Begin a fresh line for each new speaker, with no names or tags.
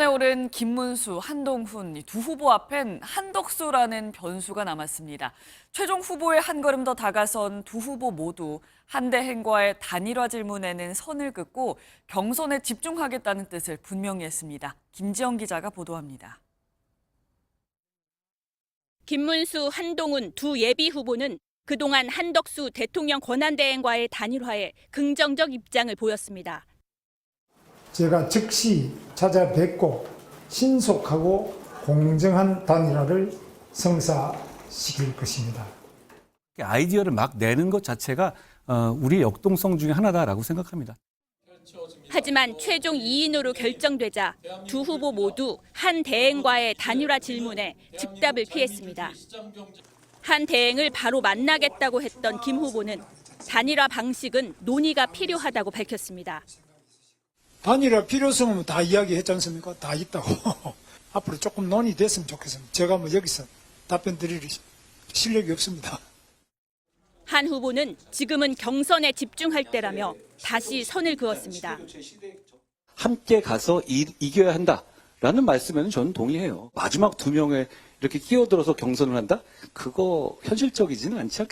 경선에 오른 김문수, 한동훈 두 후보 앞엔 한덕수라는 변수가 남았습니다. 최종 후보에 한 걸음 더 다가선 두 후보 모두 한대행과의 단일화 질문에는 선을 긋고 경선에 집중하겠다는 뜻을 분명히 했습니다. 김지영 기자가 보도합니다.
김문수, 한동훈 두 예비 후보는 그동안 한덕수 대통령 권한대행과의 단일화에 긍정적 입장을 보였습니다.
제가 즉시 찾아뵙고 신속하고 공정한 단일화를 성사시킬 것입니다.
아이디어를 막 내는 것 자체가 우리의 역동성 중에 하나다라고 생각합니다.
하지만 최종 2인으로 결정되자 두 후보 모두 한 대행과의 단일화 질문에 즉답을 피했습니다. 한 대행을 바로 만나겠다고 했던 김 후보는 단일화 방식은 논의가 필요하다고 밝혔습니다.
단일화 필요성은 다 이야기했지 않습니까? 다 있다고. 앞으로 조금 논의됐으면 좋겠습니다. 제가 여기서 답변 드릴 실력이 없습니다.
한 후보는 지금은 경선에 집중할 때라며 다시 선을 그었습니다.
함께 가서 이겨야 한다라는 말씀에는 저는 동의해요. 마지막 두 명에 이렇게 끼어들어서 경선을 한다? 그거 현실적이지는 않지 않겠습니까?